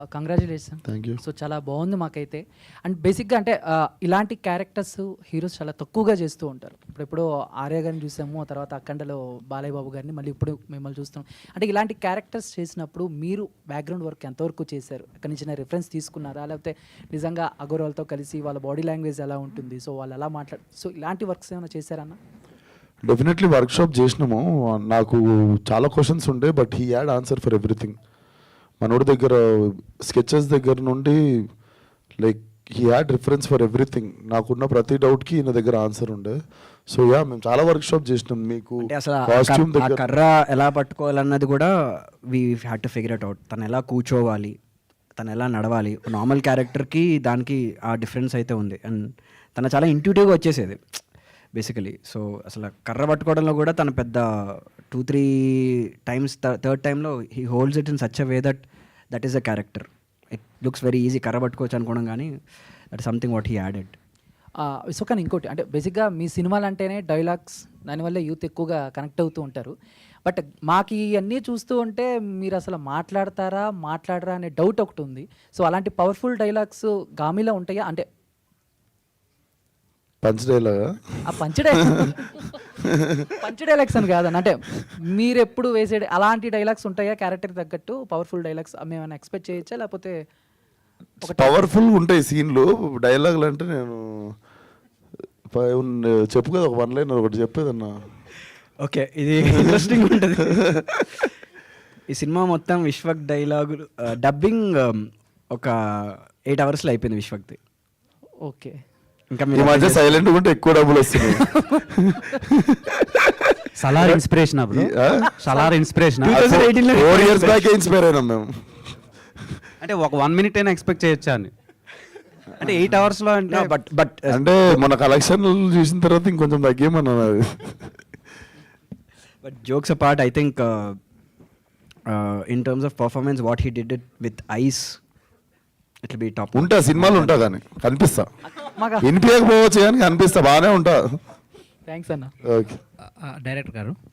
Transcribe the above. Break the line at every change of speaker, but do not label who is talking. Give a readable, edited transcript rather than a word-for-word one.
Congratulation.
Thank you.
So చాలా బాగుంది మాకైతే. అండ్ బేసిక్గా అంటే ఇలాంటి క్యారెక్టర్స్ హీరోస్ చాలా తక్కువగా చేస్తూ ఉంటారు. ఇప్పుడు ఆర్య గారిని చూసాము, ఆ తర్వాత అఖండలో బాలయ్య బాబు గారిని, మళ్ళీ ఇప్పుడు మిమ్మల్ని చూస్తాం. అంటే ఇలాంటి క్యారెక్టర్స్ చేసినప్పుడు మీరు బ్యాక్గ్రౌండ్ వర్క్ ఎంతవరకు చేశారు? అక్కడి నుంచి రిఫరెన్స్ తీసుకున్నారా, లేకపోతే నిజంగా అగోరాల్తో కలిసి వాళ్ళ బాడీ లాంగ్వేజ్ ఎలా ఉంటుంది, సో వాళ్ళు ఎలా సో ఇలాంటి వర్క్స్ ఏమైనా చేశారన్న?
డెఫినెట్లీ వర్క్షాప్ చేసినాము. నాకు చాలా క్వశ్చన్స్ ఉండే, but he had answer for everything. మనోడి దగ్గర స్కెచెస్ దగ్గర నుండి like he had reference for everything. నాకున్న ప్రతి డౌట్కి ఈయన దగ్గర ఆన్సర్ ఉండే. సో యా, మేము చాలా వర్క్షాప్ చేసినాం. మీకు
అసలు
కాస్ట్యూమ్ దగ్గర
కర్ర ఎలా పట్టుకోవాలన్నది కూడా we had to figure it out. తను ఎలా కూర్చోవాలి, తను ఎలా నడవాలి, నార్మల్ క్యారెక్టర్కి దానికి ఆ డిఫరెన్స్ అయితే ఉంది. అండ్ తను చాలా ఇంట్యూటివ్గా వచ్చేసేది బేసికలీ. సో అసలు కర్ర పట్టుకోవడంలో కూడా తను పెద్ద 2-3 times, థర్డ్ టైంలో he holds it in such a way that is a character. It looks very easy కర్ర పట్టుకోవచ్చు అనుకోవడం, కానీ that something what he added.
So కానీ ఇంకోటి అంటే బేసిక్గా మీ సినిమాలు అంటేనే డైలాగ్స్, దానివల్ల యూత్ ఎక్కువగా కనెక్ట్ అవుతూ ఉంటారు. బట్ మాకు ఇవన్నీ చూస్తూ ఉంటే మీరు అసలు మాట్లాడరా అనే డౌట్ ఒకటి ఉంది. సో అలాంటి పవర్ఫుల్ డైలాగ్స్ గామిలో ఉంటాయా? అంటే
పంచ్ డైలాగా?
ఆ పంచ్ డైలాగ్స్ అని కాదన్న, అంటే మీరు ఎప్పుడు వేసే అలాంటి డైలాగ్స్ ఉంటాయా క్యారెక్టర్ తగ్గట్టు పవర్ఫుల్ డైలాగ్స్? మేమైనా ఎక్స్పెక్ట్ చేయొచ్చా, లేకపోతే
పవర్ఫుల్ ఉంటాయి సీన్లు? డైలాగులు అంటే నేను చెప్పు కదా, ఒక 1 line ఒకటి చెప్పేదన్నా.
ఓకే, ఇది ఇంట్రెస్టింగ్ ఉంటుంది. ఈ సినిమా మొత్తం విశ్వక్ డైలాగులు డబ్బింగ్ ఒక 8 hours అయిపోయింది విశ్వక్ది.
ఓకే,
ఇంకా
ఈ మధ్య సైలెంట్ ఉంటే ఎక్కువ డబ్బులు వస్తున్నాయి.
సలార్ ఇన్స్పిరేషన్ అప్పుడు Salaar inspiration
4 years back inspire అయినాం మేము.
అంటే ఒక 1 minute అయినా ఎక్స్పెక్ట్ చేయొచ్చా అని. అంటే 8 hours అంటే
బట్
అంటే మన కలెక్షన్ చూసిన తర్వాత ఇంకొంచెం తగ్గేమన్నా.
But jokes apart, I think in terms of performance what he did it with eyes, it will be top.
ఉంటా సినిమాలు ఉంటా, కానీ కనిపిస్తా.
మాకు
వినిపించకపోవచ్చు కానీ కనిపిస్తా, బాగానే ఉంటా.
థ్యాంక్స్ అన్న.
ఓకే.
డైరెక్టర్ గారు